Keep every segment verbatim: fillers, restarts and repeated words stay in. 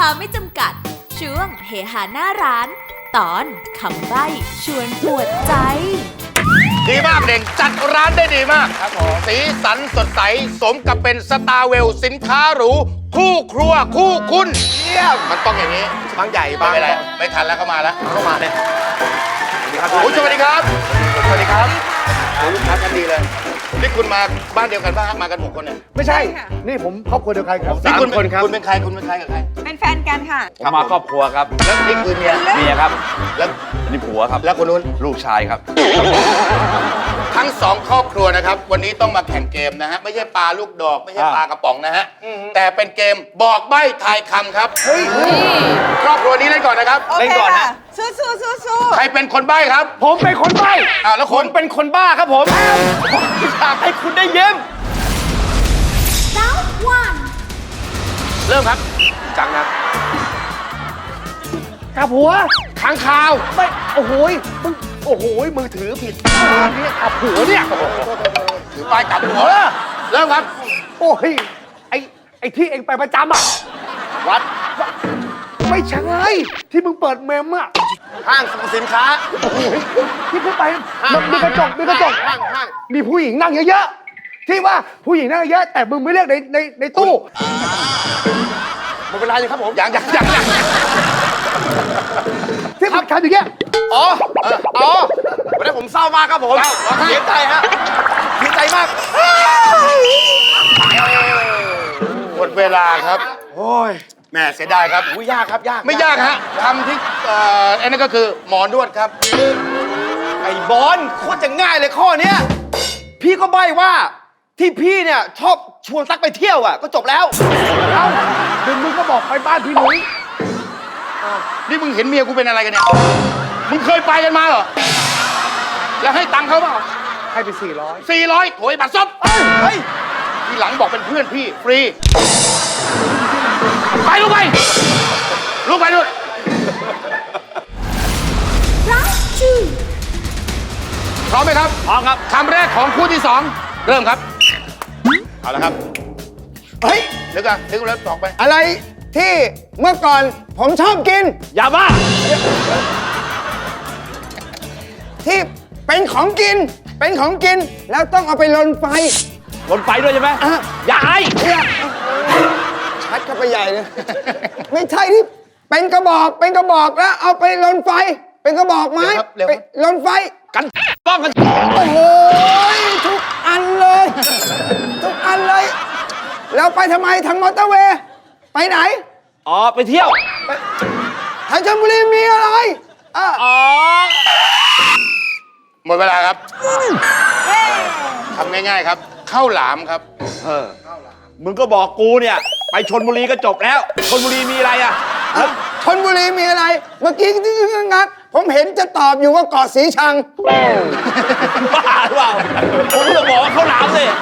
าไม่จำกัดช่วงเฮฮาหน้าร้านตอนคำใบ้ชวนปวดใจดีมากเด่งจัดร้านได้ดีมากครับผมสีสันสดใสสมกับเป็นสตาร์เวลสินค้าหรูคู่ครัวคู่คุณเยี่ยมมันต้องอย่างนี้บางใหญ่บางอะไรไม่ทันแล้วเข้ามาแล้วเข้ามาเลยสวัสดีครับสวัสดีครับลูกค้ากันดีเลยนี่คุณมาบ้านเดียวกันป่ะมากันหกคนเนี่ยไม่ใช่นี่ผมครอบครัวเดียวกันครับสามคนครับคุณเป็นใครคุณเป็นใครกับใครเป็นแฟนกันค่ะผมมาครอบครัวครับแล้วนี่คือเมียเมียครับแล้วนี่ผัวครับแล้วคนนู้นลูกชายครับทั้งสองครอบครัวนะครับวันนี้ต้องมาแข่งเกมนะฮะไม่ใช่ปลาลูกดอกไม่ใช่ปลากระป๋องนะฮะแต่เป็นเกมบอกใบ้ทายคำครับเฮ้ยครอบครัวนี้เล่นก่อนนะครับเล่นก่อนนะสู้สู้สู้สู้ใครเป็นคนใบ้ครับผมเป็นคนใบ้อ่าแล้วคนเป็นคนบ้าครับผมอยากให้คุณได้ยิ้มเริ่มครับจังนะกาผัวค้างคาวไม่โอ้โหมึงโอ้โหมือถือผิดเนี่ยกาผัวเนี่ยถือป้ายกลับหัวเริ่มครับโอ้ยไอไอที่เองไปประจำอ่ะวัดไม่ใช่ที่มึงเปิดเมมอ่ะห้างสรรพสินค้าที่มึงไปมีกระจกมีกระจกห้างห้างมีผู้หญิงนั่งเยอะๆที่ว่าผู้หญิงนั่งเยอะแต่มึงไม่เรียกในในในตู้หมดเวลาเลยครับผมยังยังยังที่มันทำอย่างเงี้ยอ๋ออ๋อวันนี้ผมเศร้ามากครับผมเสียใจฮะเสียใจมากหมดเวลาครับโอ้ยแม่เสียดายครับอุ้ยยากครับยากไม่ยากฮะคำที่เอ่ออันนั้นก็คือหมอนวดครับไอ้บอลโคตรจะง่ายเลยข้อเนี้ยพี่ก็ใบ้ว่าที่พี่เนี่ยชอบชวนซักไปเที่ยวอ่ะก็จบแล้วเอ้าดึงมึงก็บอกไปบ้านพี่หนุ่ยนี่มึงเห็นเมียกูเป็นอะไรกันเนี่ยมึงเคยไปกันมาเหรอแล้วให้ตังค์เขาเปล่าให้ไปสี่ร้อยสี่ร้อยโถยบัตรซบเฮ้ยทีหลังบอกเป็นเพื่อนพี่ฟรีไปลูกไปลูกไปลูกพร้อมไหมครับพร้อมครับคำแรกของคู่ที่สองเริ่มครับเอาละครับเฮ้ยนึกอะนึกแล้วตอกไปอะไรที่เมื่อก่อนผมชอบกินอย่าบ้าที่เป็นของกินเป็นของกินแล้วต้องเอาไปลนไฟลนไฟด้วยใช่ไหมอย่าไอ้ชัดเข้าไปใหญ่เลยไม่ใช่ที่เป็นกระบอกเป็นกระบอกแล้วเอาไปลนไฟเป็นกระบอกไม้ไปลนไฟกันป้องกันโอ้โหทุกอันเลยทุกอันเลยแล้วไปทำไมทางมอเตอร์เวย์ไปไหนอ๋อไปเที่ยวทางชลบุรีมีอะไรอ๋อหมดเวลาครับทำง่ายๆครับข้าวหลามครับเออมึงก็บอกกูเนี่ยไปชลบุรีก็จบแล้วชลบุรีมีอะไรอ่ะชลบุรีมีอะไรเมื่อกี้ที่งักผมเห็นจะตอบอยู่ว่าเกาะสีชังบ้าหรือเปล่าผมจะบอกว่าข้าวหลามเลย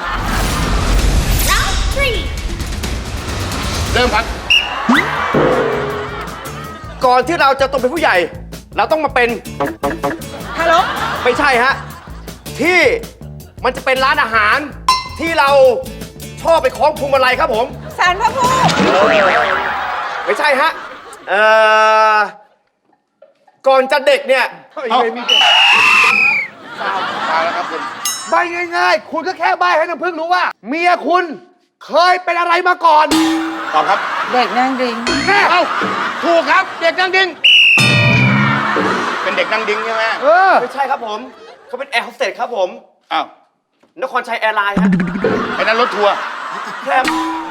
เริ่มครับก่อนที่เราจะโตเป็นผู้ใหญ่เราต้องมาเป็นฮัลโหลไม่ใช่ฮะที่มันจะเป็นร้านอาหารที่เราชอบไปคล้องพวงมาลัยครับผมศาลพระภูมิไม่ใช่ฮะเอ่อก่อนจะเด็กเนี่ยไม่มีเด็กตายแล้วครับคุณใบง่ายๆคุณก็แค่ใบให้น้ำพึ่งรู้ว่าเมียคุณเคยเป็นอะไรมาก่อนตอบครับเด็กนั่งดิ้งแม่เอ้าถูกครับเด็กนั่งดิ้งเป็นเด็กนั่งดิ้งใช่ไหมเออไม่ใช่ครับผมเขาเป็นแอร์โฮสเตสครับผมอ้าวนครชัยแอร์ไลน์ฮะไอ้นั่นรถทัวร์แค่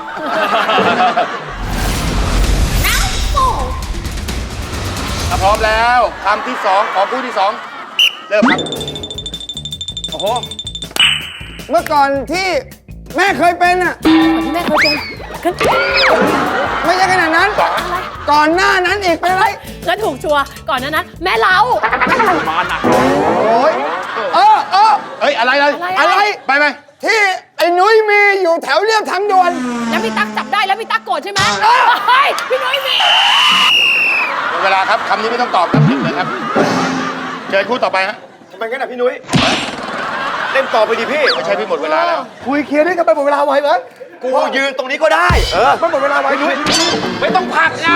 ถ้าพร้อมแล้วคำที่สองของคู่ที่สองเริ่มครับโอ้โหเมื่อก่อนที่แม่เคยเป็นอ่ะที่แม่เคยเป็นไม่ใช่ขนาดนั้นก่อนหน้านั้นอีกเป็นอะไรงั้นถูกชัวร์ก่อนหน้านั้นแม่เรามาหนักโอ้ยเออเออเฮ้ยอะไรอะไรอะไรไปไหมที่ไอ้นุ้ยมีอยู่แถวเรียบทางด่วนแล้วพี่ตั๊กจับได้แล้วพี่ตั๊กโกรธใช่ไหมเฮ้ยพี่นุ้ยมีเวลาครับคำนี้ไม่ต้องตอบครับหยิบเลยครับเชิญคู่ต่อไปฮะทำไมงั้นอ่ะพี่นุ้ยเล่นต่อไปดิพี่ไม่ใช่พี่หมดเวลาแล้วคุยเคลียร์ด้วยกันไปหมดเวลาไว้เหรอกูยืนตรงนี้ก็ได้ เออมันหมดเวลาไว้ด้วยไม่ต้องผลักไง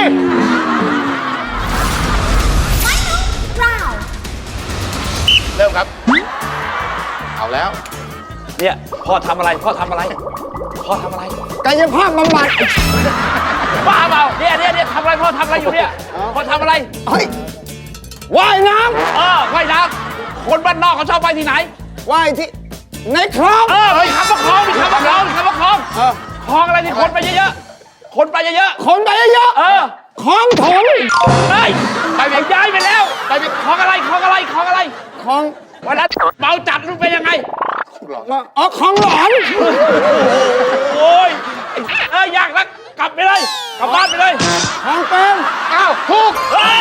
เริ่มครับ เอาแล้วเนี่ยพ่อทำอะไรพ่อทำอะไรพ่อทำอะไรกายภาพบำบัดบ้าเปล่าเนี่ยเนี่ยเนี่ยทำอะไรพ่อทำอะไรอยู่เนี่ยพ่อทำอะไรเฮ้ยว่ายน้เออว่ายน้ำคนบ้านนอกเขาชอบไปที่ไหนำว่ายที่ในคลองเออเฮ้ยคำว่าคลองมีคำว่าคลองมีคำว่าคลองคลองอะไรที่คนไปเยอะๆคนไปเยอะคนไปเยอะๆเออๆคลองถมเฮ้ยไปไปย้ายไปแล้วไปไปคลองอะไรคลองอะไรคลองอะไรคลองวันนั้นเมาจัดรู้เป็นยังไงอ๋อคลองหลอนโอ้ยไอ้เอ้ยยากนักกลับไปเลยกลับบ้านไปเลยคลองเป็นอ้าวถูกเฮ้ย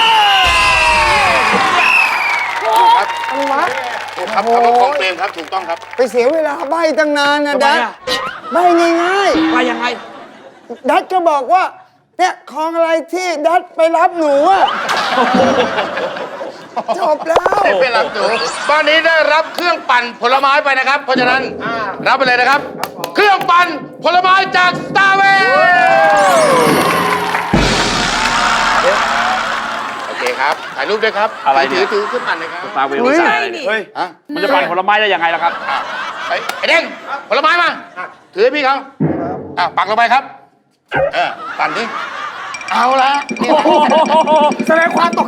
อะไรวะถูกครับคำว่าของเปรมครับ ถูกต้องครับไปเสียเวลาใบตั้งนานนะทำไมดัดอะใบง่ายไปยังไงๆดัดก็บอกว่าเนี่ยคลองอะไรที่ดัดไปรับหนูอะจบแล้วไม่เป็นไรหนูบ้านนี้ได้รับเครื่องปั่นผลไม้ไปนะครับ เพราะฉะนั้นรับไปเลยนะครับ เครื่องปั่นผลไม้จากสตาร์เวลโอเคครับถ่ายรูปด้วยครับอะไรเนี่ยถือถือเครื่องปั่นเลยครับตาเวลเฮ้ยใส่อะไรเนี่ยเฮ้ยฮะมันจะปั่นผลไม้ได้ยังไงล่ะครับอ่ะไอ้ไอ้เด้งผลไม้มาถือให้พี่เขาอ่ะปักลงไปครับเออปั่นดิเอาละแสดงความต